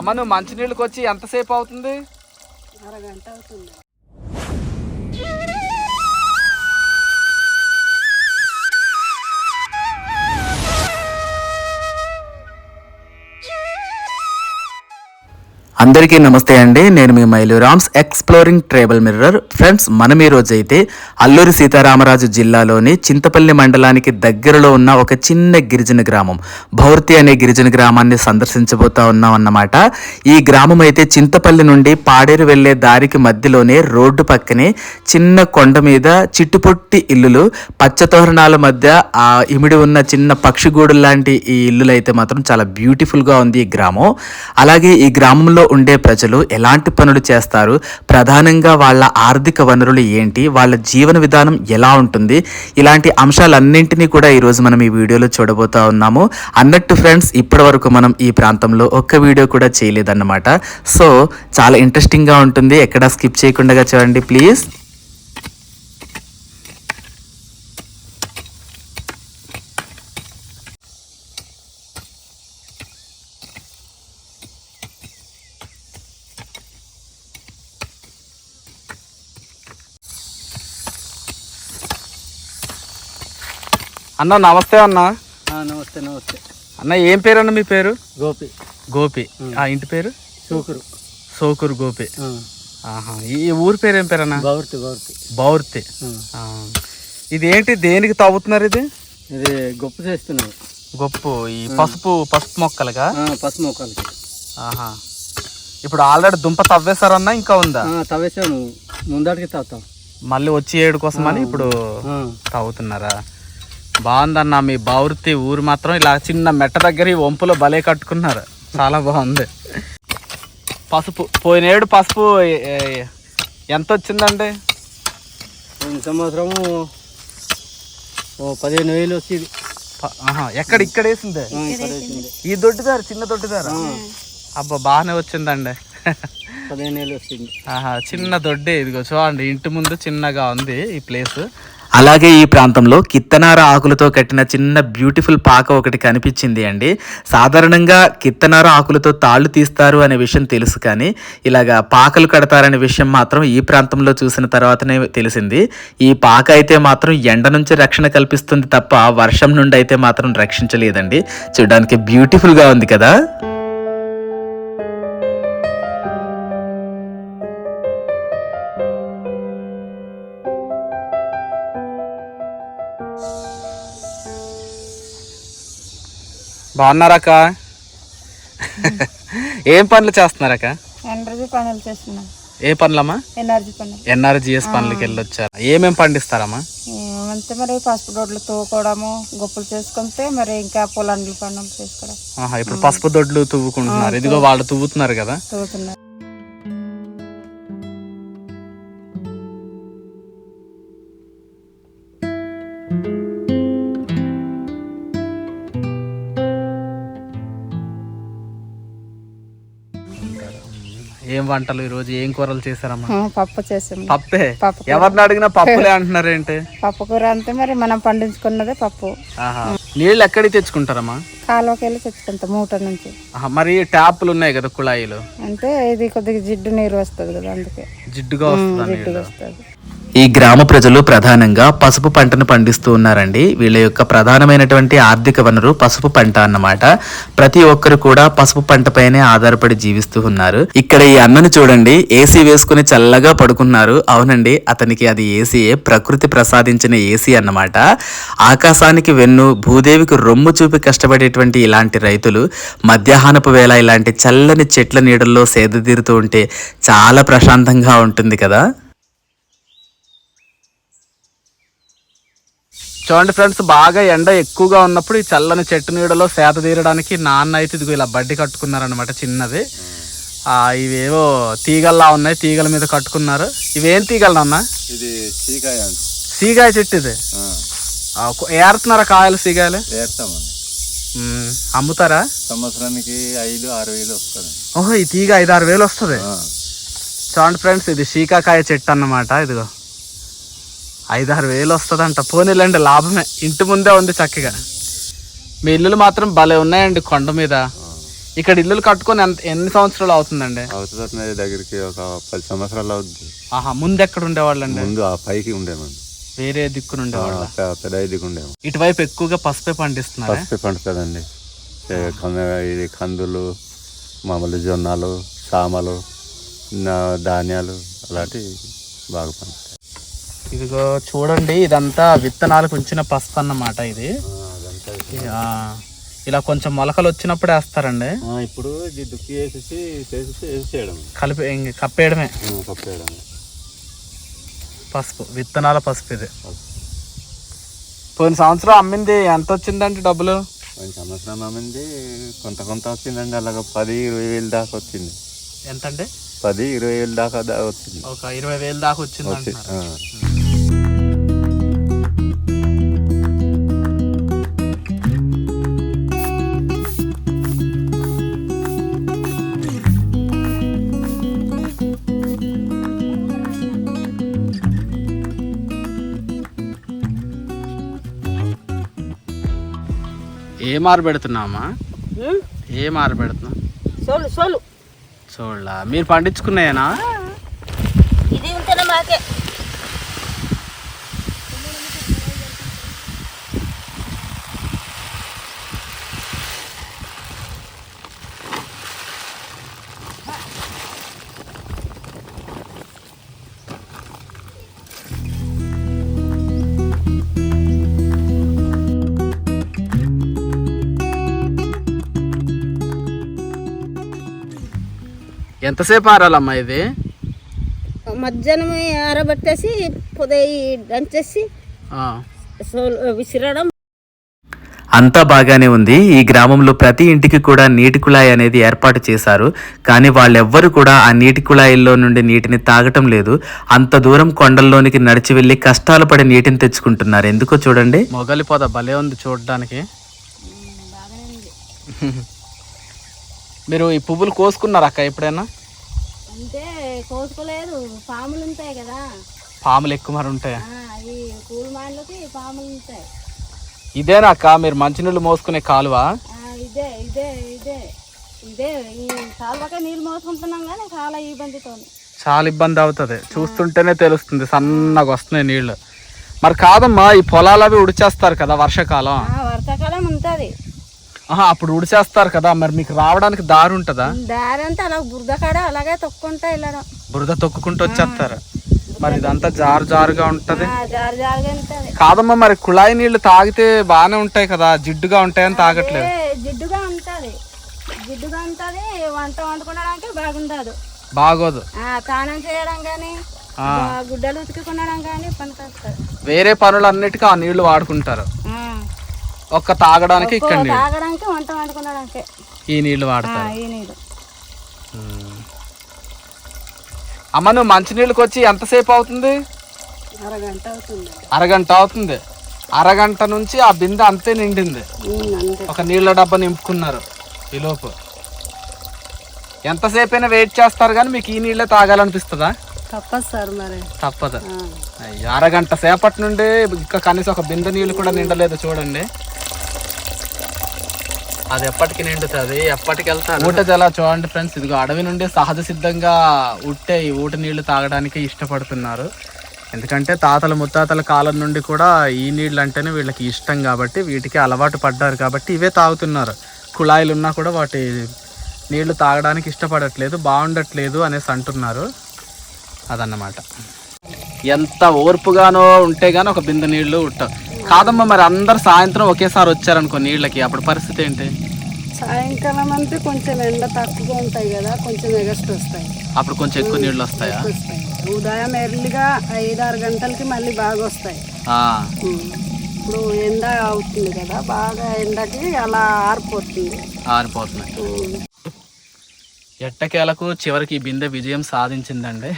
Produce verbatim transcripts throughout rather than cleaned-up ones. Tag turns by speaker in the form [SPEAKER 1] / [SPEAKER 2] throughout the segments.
[SPEAKER 1] అమ్మ నువ్వు మంచినీళ్ళకి వచ్చి ఎంతసేపు అవుతుంది?
[SPEAKER 2] అరగంట అవుతుంది.
[SPEAKER 3] అందరికీ నమస్తే అండి. నేను మీ మైలూరామ్స్ ఎక్స్ప్లోరింగ్ ట్రైబల్ మిర్రర్. ఫ్రెండ్స్, మనం ఈ రోజు అయితే అల్లూరి సీతారామరాజు జిల్లాలోని చింతపల్లి మండలానికి దగ్గరలో ఉన్న ఒక చిన్న గిరిజన గ్రామం భౌర్తి అనే గిరిజన గ్రామాన్ని సందర్శించబోతా ఉన్నాం అన్నమాట. ఈ గ్రామం అయితే చింతపల్లి నుండి పాడేరు వెళ్లే దారికి మధ్యలోనే రోడ్డు పక్కనే చిన్న కొండ మీద చిట్టుపొట్టి ఇల్లులు, పచ్చతోరణాల మధ్య ఆ ఇమిడి ఉన్న చిన్న పక్షిగూడు లాంటి ఈ ఇల్లులు అయితే మాత్రం చాలా బ్యూటిఫుల్ గా ఉంది ఈ గ్రామం. అలాగే ఈ గ్రామంలో ఉండే ప్రజలు ఎలాంటి పనులు చేస్తారు, ప్రధానంగా వాళ్ళ ఆర్థిక వనరులు ఏంటి, వాళ్ళ జీవన విధానం ఎలా ఉంటుంది, ఇలాంటి అంశాలన్నింటినీ కూడా ఈరోజు మనం ఈ వీడియోలో చూడబోతా ఉన్నాము. అన్నట్టు ఫ్రెండ్స్, ఇప్పటి వరకు మనం ఈ ప్రాంతంలో ఒక్క వీడియో కూడా చేయలేదన్నమాట. సో చాలా ఇంట్రెస్టింగ్గా ఉంటుంది, ఎక్కడా స్కిప్ చేయకుండా చూడండి ప్లీజ్.
[SPEAKER 1] అన్న నమస్తే అన్న.
[SPEAKER 2] నమస్తే నమస్తే
[SPEAKER 1] అన్న. ఏం పేరు అన్న మీ పేరు?
[SPEAKER 2] గోపి.
[SPEAKER 1] గోపి. ఆ ఇంటి పేరు?
[SPEAKER 2] సోకురు.
[SPEAKER 1] సోకురు గోపి. ఆహా. ఈ ఊరి పేరు ఏం పేరు అన్న?
[SPEAKER 2] బౌర్తి. బౌర్తి.
[SPEAKER 1] బౌర్తి. ఇది ఏంటి, దేనికి తవ్వుతున్నారు ఇది?
[SPEAKER 2] ఇది గొప్ప చేస్తున్నారు.
[SPEAKER 1] గొప్పు ఈ పసుపు పసుపు మొక్కలుగా?
[SPEAKER 2] పసుపు మొక్కలకి.
[SPEAKER 1] ఆహా. ఇప్పుడు ఆల్రెడీ దుంప తవ్వేశారన్నా ఇంకా ఉందా?
[SPEAKER 2] తవ్వేసావు, ముందటికి తవ్వుతావు.
[SPEAKER 1] మళ్ళీ వచ్చి ఏడు కోసం అని ఇప్పుడు తవ్వుతున్నారా? బాగుందన్న. మీ బౌర్తి ఊరు మాత్రం ఇలా చిన్న మెట్ట దగ్గర ఈ వంపులో భలే కట్టుకున్నారు, చాలా బాగుంది. పసుపు పోయినేడు పసుపు ఎంత వచ్చిందండి?
[SPEAKER 2] పోయిన సంవత్సరము పదిహేను వేలు వచ్చింది.
[SPEAKER 1] ఎక్కడ ఇక్కడ వేసిందే? ఈ దొడ్డిదారు, చిన్న దొడ్డిదారు. అబ్బా బాగానే వచ్చిందండి.
[SPEAKER 2] పదిహేను వేలు వచ్చింది.
[SPEAKER 1] ఆహా. చిన్న దొడ్డి ఇదిగో చూడండి, ఇంటి ముందు చిన్నగా ఉంది ఈ ప్లేస్.
[SPEAKER 3] అలాగే ఈ ప్రాంతంలో కిత్తనార ఆకులతో కట్టిన చిన్న బ్యూటిఫుల్ పాక ఒకటి కనిపించింది అండి. సాధారణంగా కిత్తనార ఆకులతో తాళ్ళు తీస్తారు అనే విషయం తెలుసు, కానీ ఇలాగా పాకలు కడతారనే విషయం మాత్రం ఈ ప్రాంతంలో చూసిన తర్వాతనే తెలిసింది. ఈ పాక అయితే మాత్రం ఎండ నుంచి రక్షణ కల్పిస్తుంది తప్ప వర్షం నుండి అయితే మాత్రం రక్షించలేదండి. చూడడానికి బ్యూటిఫుల్గా ఉంది కదా.
[SPEAKER 1] బాగున్నారక్క? ఏం పనులు చేస్తున్నారక్క?
[SPEAKER 4] ఎనర్జీ పనులు చేస్తున్నాం.
[SPEAKER 1] ఏ పనులమ్మా?
[SPEAKER 4] ఎనర్జీ పనులు.
[SPEAKER 1] ఎన్ఆర్జీఎస్ పనులకి వెళ్ళొచ్చారు. ఏమేం పండిస్తారమ్మా?
[SPEAKER 4] ఏమంటే మరి పసుపు దొడ్లు తవ్వుకోవడము, గొప్పలు చేసుకుంటే మరి ఇంకా పొలండ్ల పనులు చేసుకోవడం.
[SPEAKER 1] ఇప్పుడు పసుపు దొడ్లు తువ్వుకుంటున్నారు. ఇదిగో వాళ్ళు తువ్వుతున్నారు కదా.
[SPEAKER 4] తవ్వుతున్నారు.
[SPEAKER 1] ఏం వంటలు ఈ రోజు, ఏం కూరలు చేశారమ్మా?
[SPEAKER 4] పప్పు చేసాము.
[SPEAKER 1] పప్పే? ఎవరిని అడిగినా పప్పులే అంటున్నారు ఏంటి?
[SPEAKER 4] పప్పు కూర అంటే మరి మనం పండించుకున్నదే పప్పు.
[SPEAKER 1] నీళ్ళు ఎక్కడికి తెచ్చుకుంటారమ్మా?
[SPEAKER 4] కాలువకి వెళ్ళి తెచ్చుకుంటాం మూట నుంచి.
[SPEAKER 1] మరి ట్యాప్లు ఉన్నాయి కదా, కుళాయిలు,
[SPEAKER 4] అంటే ఇది కొద్దిగా జిడ్డు నీరు వస్తుంది కదా, అందుకే
[SPEAKER 1] జిడ్డుగా వస్తుంది.
[SPEAKER 4] జిడ్డుగా వస్తుంది.
[SPEAKER 3] ఈ గ్రామ ప్రజలు ప్రధానంగా పసుపు పంటను పండిస్తూ ఉన్నారండి. వీళ్ళ యొక్క ప్రధానమైనటువంటి ఆర్థిక వనరు పసుపు పంట అన్నమాట. ప్రతి ఒక్కరు కూడా పసుపు పంట పైనే ఆధారపడి జీవిస్తూ ఉన్నారు. ఇక్కడ ఈ అన్నను చూడండి, ఏసీ వేసుకుని చల్లగా పడుకున్నారు. అవునండి, అతనికి అది ఏసీయే, ప్రకృతి ప్రసాదించిన ఏసీ అన్నమాట. ఆకాశానికి వెన్ను, భూదేవికి రొమ్ము చూపి కష్టపడేటువంటి ఇలాంటి రైతులు మధ్యాహ్నపు వేళ ఇలాంటి చల్లని చెట్ల నీడల్లో సేద తీరుతూ ఉంటే చాలా ప్రశాంతంగా ఉంటుంది కదా.
[SPEAKER 1] చూడండి ఫ్రెండ్స్, బాగా ఎండ ఎక్కువగా ఉన్నప్పుడు ఈ చల్లని చెట్టు నీడలో సేద తీరడానికి నాన్న అయితే ఇదిగో ఇలా బడ్డి కట్టుకున్నారనమాట, చిన్నది. ఇవేవో తీగల్లా ఉన్నాయి, తీగల మీద కట్టుకున్నారు. ఇవేం తీగలు నాన్న?
[SPEAKER 5] ఇది సీకాయ.
[SPEAKER 1] సీకాయ చెట్టు ఇది. ఏరుతున్నారా కాయలు, సీకాయలు? అమ్ముతారా?
[SPEAKER 5] సంవత్సరానికి ఐదు ఆరు వేలు వస్తుంది.
[SPEAKER 1] ఓహో, ఈ తీగ ఐదు ఆరు వేలు వస్తుంది. చూడండి ఫ్రెండ్స్, ఇది సీకాకాయ చెట్టు అన్నమాట. ఇదిగో ఐదారు వేలు వస్తుందంట. పోనీలండి, లాభమే. ఇంటి ముందే ఉంది చక్కగా. మీ ఇల్లులు మాత్రం భలే ఉన్నాయండి కొండ మీద. ఇక్కడ ఇల్లులు కట్టుకొని ఎంత ఎన్ని సంవత్సరాలు అవుతుందండి?
[SPEAKER 5] అవుతుంది దగ్గరికి ఒక పది సంవత్సరాలు అవుద్ది.
[SPEAKER 1] ఆహా, ముందు ఎక్కడ ఉండేవాళ్ళండి?
[SPEAKER 5] ముందు ఆ పైకి ఉండేమండి,
[SPEAKER 1] వేరే దిక్కున ఉండేవాళ్ళ?
[SPEAKER 5] పెద్ద దిక్కు ఉండేము.
[SPEAKER 1] ఇటువైపు ఎక్కువగా పసుపే పండిస్తున్నారు.
[SPEAKER 5] పసుపే పండుతుందండి. ఇది కందులు, మామూలు జొన్నలు, సామలు, ధాన్యాలు అలాంటివి బాగా పండుతాయి.
[SPEAKER 1] ఇదిగో చూడండి, ఇదంతా విత్తనాలకు ఉంచిన పసుపు అన్నమాట. ఇది ఆ, ఇలా కొంచెం మొలకలు వచ్చినప్పుడు వేస్తారండి.
[SPEAKER 5] ఇప్పుడు ఇది దుక్కి వేసేసి వేసేసి వేసేయడం,
[SPEAKER 1] కలిపి ఇంక కప్పేయడమే.
[SPEAKER 5] కప్పేయడం
[SPEAKER 1] పసుపు, విత్తనాల పసుపు ఇది. పోయిన సంవత్సరం అమ్మింది ఎంత వచ్చిందంటే డబ్బులు?
[SPEAKER 5] పోయిన సంవత్సరం అమ్మింది కొంత కొంత వచ్చిందండి. అలాగ పది ఇరవై వేలు దాకా వచ్చింది.
[SPEAKER 1] ఎంతండి?
[SPEAKER 5] పది ఇరవై వేలు దాకా వచ్చింది.
[SPEAKER 1] ఒక ఇరవై వేలు దాకా వచ్చింది అంటున్నారు. ఏం ఆరబెడుతున్నామా? ఏం ఆరబెడుతున్నా?
[SPEAKER 6] సోలు సోలు
[SPEAKER 1] చూడలా మీరు పండించుకున్నాయేనా?
[SPEAKER 6] ఇది ఉంటేనే మాకే.
[SPEAKER 1] ఎంతసేపు ఆరాలమ్మా ఇది?
[SPEAKER 6] మధ్యాహ్నం ఆరబెట్టేసి పొదయి దంచేసి సోలు విసిరడం.
[SPEAKER 3] అంతా బాగానే ఉంది. ఈ గ్రామంలో ప్రతి ఇంటికి కూడా నీటి కుళాయి అనేది ఏర్పాటు చేశారు. కానీ వాళ్ళెవ్వరు కూడా ఆ నీటి కుళాయిల్లో నుండి నీటిని తాగటం లేదు. అంత దూరం కొండల్లోనికి నడిచి వెళ్ళి కష్టాలు పడి నీటిని తెచ్చుకుంటున్నారు. ఎందుకో చూడండి.
[SPEAKER 1] మొగలి పొద భలే ఉంది చూడడానికి. మీరు ఈ పువ్వులు కోసుకున్నారు అక్క ఎప్పుడైనా?
[SPEAKER 6] అంటే కోసుకోలేదు, పాములు ఉంటాయి కదా.
[SPEAKER 1] పాములు ఎక్కువ మరి ఉంటాయా?
[SPEAKER 6] అవి పూల మాటలకి పాములు ఉంటాయి.
[SPEAKER 1] ఇదేనా అక్క మీరు మంచినీళ్ళు మోసుకునే కాలువ?
[SPEAKER 6] ఇదే ఇదే ఇదే ఇదే ఈ కాలువకే నీళ్ళు మోసుకుంటున్నాం కానీ చాలా ఇబ్బందితో.
[SPEAKER 1] చాలా ఇబ్బంది అవుతుంది, చూస్తుంటేనే తెలుస్తుంది. సన్నగా వస్తున్నాయి నీళ్లు. మరి కాదమ్మా, ఈ పొలాలు అవి ఉడిచేస్తారు కదా వర్షాకాలం?
[SPEAKER 6] వర్షాకాలం ఉంటుంది.
[SPEAKER 1] ఆహా, అప్పుడు ఉడిచేస్తారు కదా, మరి మీకు రావడానికి దారి ఉంటుందా?
[SPEAKER 6] దారి అంతా అలా బురద కాడ అలాగే తొక్కుంటా వెళ్ళడం.
[SPEAKER 1] బురద తొక్కుకుంటూ వచ్చేస్తారు. మరి ఇదంతా జారు జారుగా ఉంటది.
[SPEAKER 6] జారు జారుగా ఉంటుంది.
[SPEAKER 1] కాదమ్మా, మరి కుళాయి నీళ్లు తాగితే బాగానే ఉంటాయి కదా, జిడ్డుగా ఉంటాయని తాగట్లేదు?
[SPEAKER 6] జిడ్డుగా ఉంటుంది, జిడ్డుగా ఉంటుంది. వంట వండుకోవడానికి బాగుండదు,
[SPEAKER 1] బాగోదు.
[SPEAKER 6] స్నానం చేయడం కానీ గుడ్డలు ఉతుకుకోవడం కానీ పనికొస్తుంది.
[SPEAKER 1] వేరే పనులన్నిటికీ ఆ నీళ్లు వాడుకుంటారు, ఒక్క తాగడానికి ఇక్కడ
[SPEAKER 6] తాగడానికి వంట వండుకోవడానికి
[SPEAKER 1] ఈ నీళ్లు వాడతారు.
[SPEAKER 6] ఈ నీళ్ళు.
[SPEAKER 1] అమ్మ, నువ్వు మంచినీళ్ళకి వచ్చి ఎంతసేపు అవుతుంది?
[SPEAKER 6] అరగంట అవుతుంది.
[SPEAKER 1] అరగంట అవుతుంది. అరగంట నుంచి ఆ బిందె అంతే నిండింది. ఒక నీళ్ళ డబ్బా నింపుకున్నారు ఈలోపు. ఎంతసేపు అయినా వెయిట్ చేస్తారు కానీ మీకు ఈ నీళ్ళే తాగాలనిపిస్తుందా?
[SPEAKER 6] తప్పదు సార్, మరి
[SPEAKER 1] తప్పదు. అయ్యో, అరగంట సేపటి నుండి ఇంకా కనీసం ఒక బిందె నీళ్ళు కూడా నిండలేదు చూడండి. అది ఎప్పటికి నిండుతుంది, ఎప్పటికి వెళ్తారు. ఊట జల చూడండి ఫ్రెండ్స్, ఇదిగో అడవి నుండి సహజ సిద్ధంగా ఉట్టే ఈ ఊట నీళ్లు తాగడానికి ఇష్టపడుతున్నారు. ఎందుకంటే తాతల ముత్తాతల కాలం నుండి కూడా ఈ నీళ్ళు అంటేనే వీళ్ళకి ఇష్టం కాబట్టి వీటికి అలవాటు పడ్డారు కాబట్టి ఇవే తాగుతున్నారు. కుళాయిలు ఉన్నా కూడా వాటి నీళ్లు తాగడానికి ఇష్టపడట్లేదు, బాగుండట్లేదు అనేసి అంటున్నారు. అదన్నమాట. ఎంత ఓర్పుగానో ఉంటే గానీ ఒక బిందె నీళ్లు ఉట్టవు. కాదమ్మా, మరి అందరు సాయంత్రం ఒకేసారి వచ్చారనుకో నీళ్ళకి, అప్పుడు పరిస్థితి ఏంటి?
[SPEAKER 6] సాయంకాలం అంటే కొంచెం ఎండ తక్కువగా ఉంటాయి కదా, కొంచెం ఎగస్ట్ వస్తాయి.
[SPEAKER 1] అప్పుడు కొంచెం ఎక్కువ నీళ్ళు వస్తాయా?
[SPEAKER 6] ఉదయం ఎర్లీగా ఐదారు గంటలకి మళ్ళీ బాగా వస్తాయి. ఇప్పుడు ఎండ అవుతుంది కదా, బాగా ఎండకి అలా ఆరిపోతుంది
[SPEAKER 1] ఆరిపోతున్నాయి. ఎట్టకేలకు చివరికి ఈ బిందె విజయం సాధించిందండి.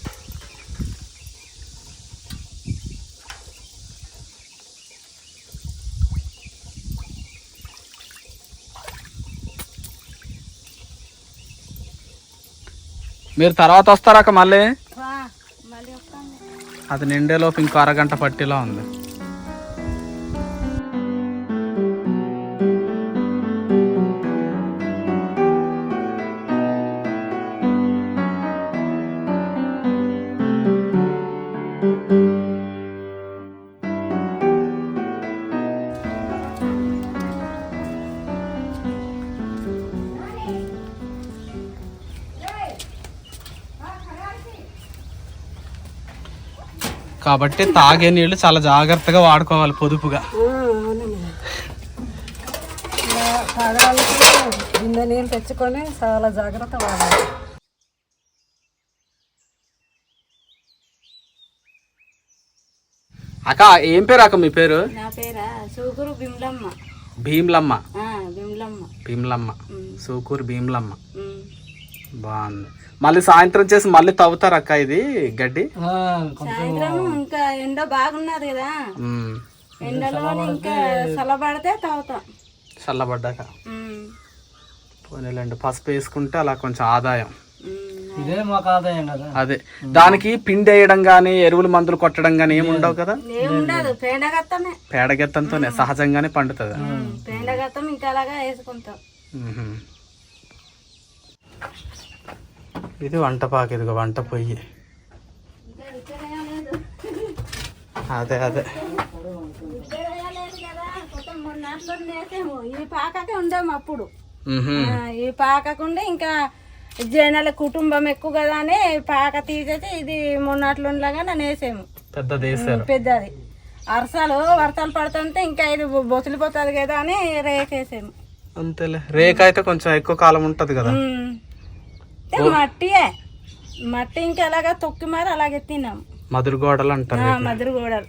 [SPEAKER 1] మీరు తర్వాత వస్తారాక మళ్ళీ? అది నిండేలోపు ఇంకో అరగంట పట్టిలా ఉంది. కాబట్టి తాగే నీళ్లు చాలా జాగ్రత్తగా వాడుకోవాలి, పొదుపుగా.
[SPEAKER 6] తాగడానికి బిందె నీళ్ళు తెచ్చుకొని చాలా జాగ్రత్త వాడాలి.
[SPEAKER 1] అక్క ఏం పేరు అక్క మీ పేరు?
[SPEAKER 4] నా పేరా సూకూరు భీమ్లమ్మ.
[SPEAKER 1] భీమ్లమ్మ.
[SPEAKER 4] భీమ్లమ్మ.
[SPEAKER 1] భీమ్లమ్మ. సూకూరు భీమ్లమ్మ. బాగుంది. మళ్ళీ సాయంత్రం చేసి మళ్ళీ తవ్వుతారు అక్క ఇది గడ్డి?
[SPEAKER 4] సాయంత్రం ఇంకా ఎండ బాగున్నది కదా, ఎండలో ఇంకా చల్లబడితే తవ్వుతాం.
[SPEAKER 1] చల్లబడ్డాక పోనీలండి. పసుపు వేసుకుంటే అలా కొంచెం ఆదాయం.
[SPEAKER 2] ఇదే మాకు ఆదాయం కదా.
[SPEAKER 1] అదే దానికి పిండి వేయడం గానీ ఎరువులు మందులు కొట్టడం గానీ ఏమి ఉండవు కదా.
[SPEAKER 4] ఏముండదు, పేడగత్తమే.
[SPEAKER 1] పేడగెత్తంతోనే సహజంగానే పండుతుంది.
[SPEAKER 4] పేడగత్తం ఇంకా అలాగా వేసుకుంటాం.
[SPEAKER 1] ఇది వంట పాక, ఇదిగో వంట పొయ్యి. అదే అదే
[SPEAKER 4] ఈ పాకకే ఉండేము అప్పుడు. ఈ పాకకుండే ఇంకా జనాల కుటుంబం ఎక్కువ కదా అని పాక తీసేసి ఇది మొన్నట్లుండగా నన్ను వేసాము.
[SPEAKER 1] పెద్దది వేసారు.
[SPEAKER 4] పెద్దది వర్షాలు వర్షాలు పడుతుంటే ఇంకా ఇది బొసిలిపోతుంది కదా అని రేకేసాము.
[SPEAKER 1] అంతేలే, రేక అయితే కొంచెం ఎక్కువ కాలం ఉంటది కదా.
[SPEAKER 4] మట్టియే మట్టి ఇంకా అలాగా తొక్కి మరి అలాగే తిన్నాము.
[SPEAKER 1] మధుర గోడలు అంటారు.
[SPEAKER 4] మధుర గోడలు.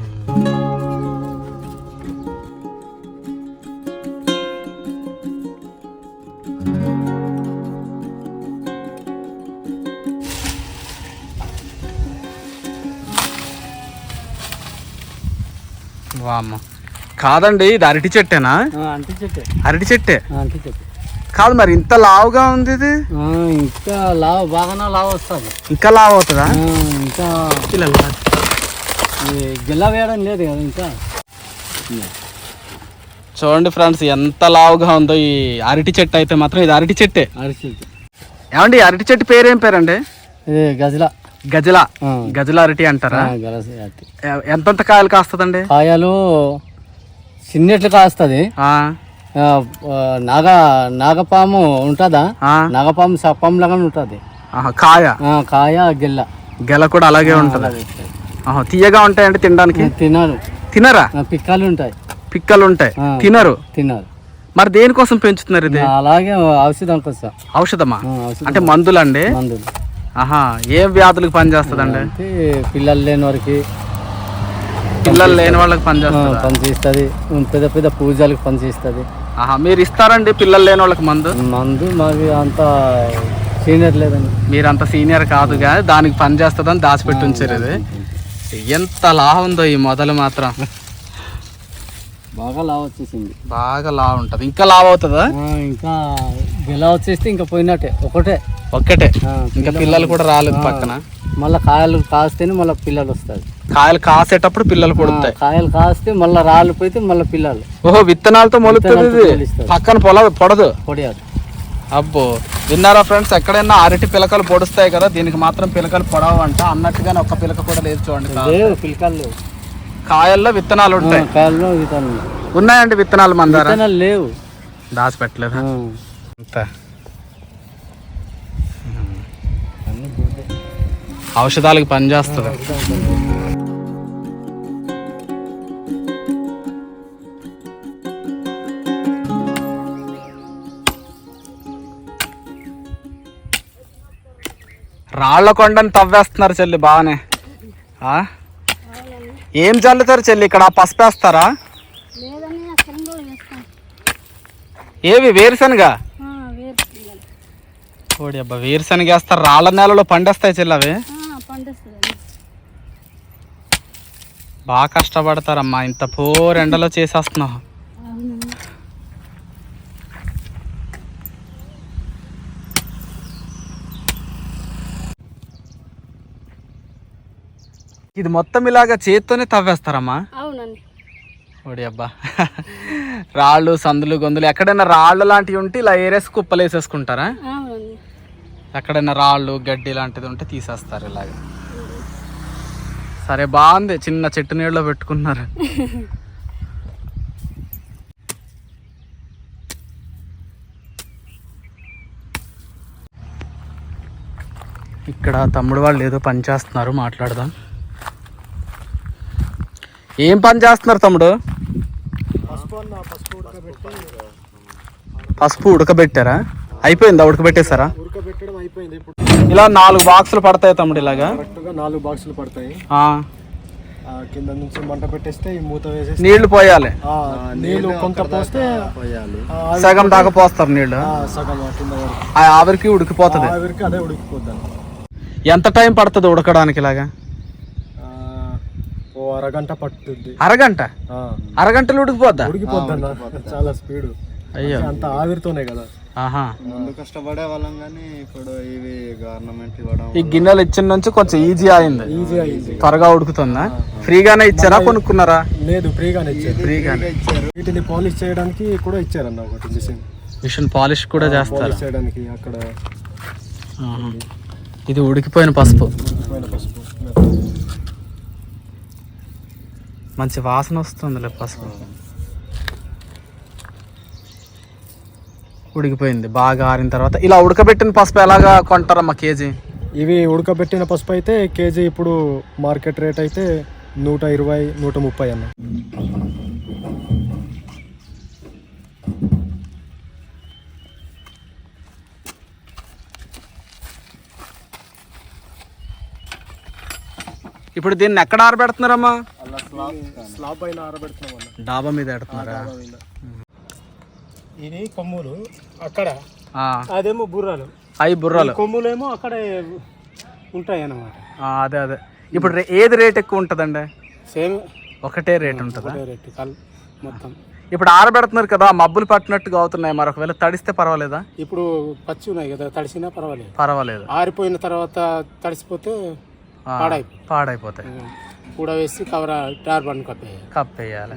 [SPEAKER 1] వామ్మ కాదండి, ఇది అరటి చెట్టేనా?
[SPEAKER 2] అంటి చెట్టే.
[SPEAKER 1] అరటి చెట్టే
[SPEAKER 2] అంటి చెట్టు
[SPEAKER 1] కాదు మరి, ఇంత లావుగా ఉంది ఇది.
[SPEAKER 2] ఇంకా లావు బాగానే లావు వస్తుంది.
[SPEAKER 1] ఇంకా లావు అవుతుందా?
[SPEAKER 2] ఇంకా
[SPEAKER 1] పిల్లలు
[SPEAKER 2] గిల్ల వేయడం లేదు కదా ఇంకా.
[SPEAKER 1] చూడండి ఫ్రెండ్స్ ఎంత లావుగా ఉందో ఈ అరటి చెట్టు. అయితే మాత్రం ఇది అరటి చెట్టే.
[SPEAKER 2] అరటి చెట్టు.
[SPEAKER 1] ఏమండి అరటి చెట్టు పేరు ఏం పేరండి?
[SPEAKER 2] ఇది గజల.
[SPEAKER 1] గజల. గజల అరటి అంటారా? ఎంతంత కాయలు కాస్తుందండి?
[SPEAKER 2] కాయలు చిన్నట్లు కాస్తుంది. నాగ నాగపాము ఉంటుందా? నాగపాము సప్పం లాగా ఉంటుంది
[SPEAKER 1] కాయ.
[SPEAKER 2] కాయ గెల్ల.
[SPEAKER 1] గెల కూడా అలాగే ఉంటుంది. తీయగా ఉంటాయండి తినడానికి?
[SPEAKER 2] తినరు.
[SPEAKER 1] తినరా?
[SPEAKER 2] పిక్కలు ఉంటాయి.
[SPEAKER 1] పిక్కలు ఉంటాయి, తినరు.
[SPEAKER 2] తినరు.
[SPEAKER 1] మరి దేనికోసం పెంచుతున్నారు ఇది?
[SPEAKER 2] అలాగే ఔషధం కోసం.
[SPEAKER 1] ఔషధమా అంటే మందులండి?
[SPEAKER 2] మందులు.
[SPEAKER 1] ఆహా, ఏం వ్యాధులకు పనిచేస్తుందండి?
[SPEAKER 2] పిల్లలు లేని వారికి,
[SPEAKER 1] పిల్లలు లేని వాళ్ళకి పనిచేస్తుంది.
[SPEAKER 2] పనిచేస్తుంది. పెద్ద పెద్ద పూజలకు పనిచేస్తుంది.
[SPEAKER 1] ఆహా, మీరు ఇస్తారండి పిల్లలు లేని వాళ్ళకి మందు?
[SPEAKER 2] మందు మాది అంత సీనియర్ లేదండి.
[SPEAKER 1] మీరు అంత సీనియర్ కాదు కానీ దానికి పని చేస్తుందని దాచిపెట్టి ఉంచారు. ఇది ఎంత లావు ఉందో ఈ మొదలు మాత్రం.
[SPEAKER 2] బాగా లావు వచ్చేసింది.
[SPEAKER 1] బాగా లావు ఉంటుంది. ఇంకా లావు అవుతుందా?
[SPEAKER 2] ఇంకా గెల వచ్చేస్తే ఇంకా పోయినట్టే. ఒకటే
[SPEAKER 1] ఒక్కటే. ఇంకా పిల్లలు కూడా రాలేదు పక్కన.
[SPEAKER 2] మళ్ళీ కాయలు కాస్తేనే మళ్ళీ పిల్లలు వస్తాయి.
[SPEAKER 1] కాయలు కాసేటప్పుడు పిల్లలు పుడతాయి.
[SPEAKER 2] కాయలు కాస్తే మళ్ళీ రాళ్ళు పోతే మళ్ళీ పిల్లలు.
[SPEAKER 1] ఓహో, విత్తనాలతో మొలుస్తుంది. పక్కన పొల పొడదు.
[SPEAKER 2] పొడియాదు.
[SPEAKER 1] అబ్బో, విన్నారా ఫ్రెండ్స్? ఎక్కడైనా అరటి పిలకలు పొడుస్తాయి కదా, దీనికి మాత్రం పిలకలు పొడవంట. అన్నట్టుగానే ఒక్క పిలక కూడా లేదు చూడండి.
[SPEAKER 2] లేవు పిలకలు లేవు.
[SPEAKER 1] కాయల్లో విత్తనాలు ఉంటాయి.
[SPEAKER 2] కాయల్లో విత్తనాలు
[SPEAKER 1] ఉన్నాయండి విత్తనాలు? మన దగ్గర
[SPEAKER 2] విత్తనాలు లేవు.
[SPEAKER 1] దాచిపెట్టలేదు అంత. ఔషధాలకు పనిచేస్తుంది. రాళ్ల కొండని తవ్వేస్తున్నారు చెల్లి బాగానే. ఏం చల్లుతారు చెల్లి ఇక్కడ? పసుపు వేస్తారా? ఏవి వేరుశనగ? ఓడి అబ్బా, వేరుశనగ వేస్తారు. రాళ్ళ నేలలో పండేస్తాయి చెల్లి అవి. బాగా కష్టపడతారమ్మా, ఇంత పోర్ ఎండలో చేసేస్తున్నావు. ఇది మొత్తం ఇలాగా చేత్తోనే తవ్వేస్తారమ్మా?
[SPEAKER 6] అవునండి.
[SPEAKER 1] ఓడి అబ్బా, రాళ్ళు సందులు గొంతులు ఎక్కడైనా రాళ్ళు లాంటివి ఉంటే ఇలా ఏరేసి కుప్పలు వేసేసుకుంటారా? ఎక్కడైనా రాళ్ళు గడ్డి లాంటిది ఉంటే తీసేస్తారు ఇలాగ. సరే, బాగుంది. చిన్న చెట్టు నీళ్ళలో పెట్టుకున్నారు. ఇక్కడ తమ్ముడు వాళ్ళు ఏదో పని చేస్తున్నారు, మాట్లాడదాం. ఏం పని చేస్తున్నారు తమ్ముడు? పసుపు ఉడకబెట్టారా? అయిపోయిందా? ఉడకబెట్టేశారా?
[SPEAKER 7] ఉడకబెట్టడం అయిపోయింది. ఇప్పుడు
[SPEAKER 1] ఇలా నాలుగు బాక్సులు పడతాయి తమ్ముడు. ఇలాగా
[SPEAKER 7] కరెక్ట్గా నాలుగు బాక్సులు పడతాయి.
[SPEAKER 1] ఆ,
[SPEAKER 7] ఆ, కింద నుంచి మంట పెట్టేస్తే ఈ మూత వేసేసి
[SPEAKER 1] నీళ్లు పోయాలి.
[SPEAKER 7] ఆ, నీళ్లు కొంత పోస్తే ఆ,
[SPEAKER 1] సగం దాకా పోస్తారు నీళ్లు.
[SPEAKER 7] ఆ, సగం ఆ కింద వరకు
[SPEAKER 1] ఆ ఆవిరికి ఉడికిపోతుంది.
[SPEAKER 7] ఆవిరికి అదే ఉడికిపోద్దాం.
[SPEAKER 1] ఎంత టైం పడుతుంది ఉడకడానికి? ఇలాగా
[SPEAKER 7] ఆ, ఓ అరగంట పట్టుద్ది.
[SPEAKER 1] అరగంట?
[SPEAKER 7] ఆ,
[SPEAKER 1] అరగంటలు ఉడికిపోద్దా?
[SPEAKER 7] ఉడికిపోద్దన్న చాలా స్పీడ్.
[SPEAKER 1] అయ్యో,
[SPEAKER 7] అంత ఆవిరితోనే కదా.
[SPEAKER 1] ఆహా.
[SPEAKER 5] ముందు కష్టపడే వాళ్ళం కానీ ఇప్పుడు ఇవి గవర్నమెంట్ ఇవ్వడం
[SPEAKER 1] ఈ గిన్నెలు ఇచ్చిన నుంచి కొంచెం ఈజీ అయింది.
[SPEAKER 7] ఈజీ అయింది.
[SPEAKER 1] త్వరగా ఉడుకుతుందా? ఫ్రీగానే ఇచ్చారా కొనుక్కున్నారా?
[SPEAKER 7] లేదు, ఫ్రీగానే ఇచ్చారు.
[SPEAKER 1] ఫ్రీగానే
[SPEAKER 5] ఇచ్చారు.
[SPEAKER 7] వీటిని పాలిష్ చేయడానికి కూడా ఇచ్చారన్న ఒకటి మిషన్.
[SPEAKER 1] మిషన్ పాలిష్ కూడా చేస్తారు.
[SPEAKER 7] పాలిష్ చేయడానికి అక్కడ
[SPEAKER 1] ఆహా. ఇది ఉడికిపోయిన పసుపు.
[SPEAKER 7] ఉడికిపోయిన పసుపు.
[SPEAKER 1] మంచి వాసన వస్తుందిలే పసుపు. ఉడికిపోయింది బాగా ఆరిన తర్వాత. ఇలా ఉడకబెట్టిన పసుపు ఎలాగా కొంటారమ్మా కేజీ?
[SPEAKER 7] ఇవి ఉడకబెట్టిన పసుపు అయితే కేజీ ఇప్పుడు మార్కెట్ రేట్ అయితే నూట ఇరవై నూట ముప్పై అన్న.
[SPEAKER 1] ఇప్పుడు దీన్ని ఎక్కడ ఆరబెడుతున్నారమ్మా?
[SPEAKER 7] స్లాబ్ పైన ఆరబెడుతున్నాం అన్న.
[SPEAKER 1] డాబా మీద పెడుతున్నారా?
[SPEAKER 7] ఇది కొమ్ములు అక్కడ,
[SPEAKER 1] ఆ,
[SPEAKER 7] అదేమో బుర్రలు.
[SPEAKER 1] అవి బుర్రలు.
[SPEAKER 7] కొమ్ములేమో అక్కడే ఉంటాయి అన్నమాట.
[SPEAKER 1] ఆ, అదే అదే. ఇప్పుడు రే- ఏది రేట్ ఎక్కువ ఉంటుందండి?
[SPEAKER 7] సేమ్
[SPEAKER 1] ఒకటే రేట్ ఉంటుందా?
[SPEAKER 7] రేట్ కల్ మొత్తం.
[SPEAKER 1] ఇప్పుడు ఆరబెడుతున్నారు కదా, మబ్బులు పట్టినట్టుగా అవుతున్నాయి. మరి ఒకవేళ తడిస్తే పర్వాలేదా?
[SPEAKER 7] ఇప్పుడు పచ్చి ఉన్నాయి కదా, తడిసినా పర్వాలేదు.
[SPEAKER 1] పర్వాలేదు.
[SPEAKER 7] ఆరిపోయిన తర్వాత తడిసిపోతే
[SPEAKER 1] ఆ,
[SPEAKER 7] పాడైపోయి
[SPEAKER 1] పాడైపోతాయి.
[SPEAKER 7] కూడా వేసి కవర్ టార్బన్ కప్పేయాలి.
[SPEAKER 1] కప్పేయాలి.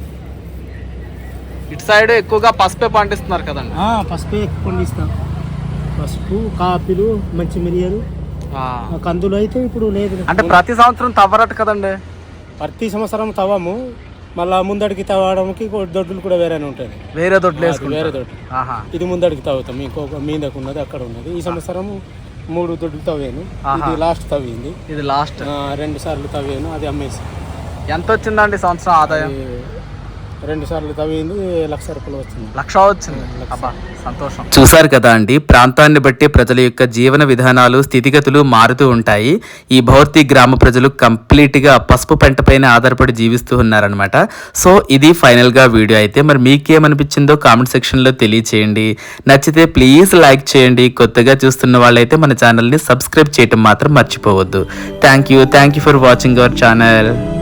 [SPEAKER 1] ఇటు సైడ్ ఎక్కువగా పసుపే పండిస్తున్నారు కదండి.
[SPEAKER 7] పసుపు పండిస్తాం. పసుపు, కాపీలు, మంచి మిరియాలు,
[SPEAKER 1] ఆ.
[SPEAKER 7] కందులు అయితే ఇప్పుడు లేదు.
[SPEAKER 1] అంటే ప్రతి సంవత్సరం తవ్వరట కదండి.
[SPEAKER 7] ప్రతి సంవత్సరం తవ్వము, మళ్ళా ముందడికి తవ్వడానికి దొడ్డులు కూడా వేరేనే ఉంటాయి.
[SPEAKER 1] వేరే దొడ్లు
[SPEAKER 7] వేరే
[SPEAKER 1] వేసుకుంటారు.
[SPEAKER 7] దొడ్డు.
[SPEAKER 1] ఆహా.
[SPEAKER 7] ఇది ముందడికి తవ్వుతాం. ఇంకొక మీదకు ఉన్నది అక్కడ ఉన్నది. ఈ సంవత్సరం మూడు దొడ్లు తవ్వాను. ఇది లాస్ట్ తవ్వింది.
[SPEAKER 1] ఇది లాస్ట్.
[SPEAKER 7] ఆ, రెండు సార్లు తవ్వాను, అది అమ్మేసి.
[SPEAKER 1] ఎంత వచ్చిందండి సంవత్సరం ఆదాయం?
[SPEAKER 7] రెండు సార్లు తవ్వింది, లక్ష రూపాయలు వచ్చింది.
[SPEAKER 1] లక్ష వచ్చింది. అబ్బా, సంతోషం.
[SPEAKER 3] చూసారు కదా అండి, ప్రాంతాన్ని బట్టి ప్రజల యొక్క జీవన విధానాలు, స్థితిగతులు మారుతూ ఉంటాయి. ఈ భౌర్తి గ్రామ ప్రజలు కంప్లీట్గా పసుపు పంట పైన ఆధారపడి జీవిస్తూ ఉన్నారనమాట. సో ఇది ఫైనల్గా వీడియో అయితే. మరి మీకేమనిపించిందో కామెంట్ సెక్షన్లో తెలియచేయండి. నచ్చితే ప్లీజ్ లైక్ చేయండి. కొత్తగా చూస్తున్న వాళ్ళైతే మన ఛానల్ని సబ్స్క్రైబ్ చేయడం మాత్రం మర్చిపోవద్దు. Thank you thank you for watching our channel.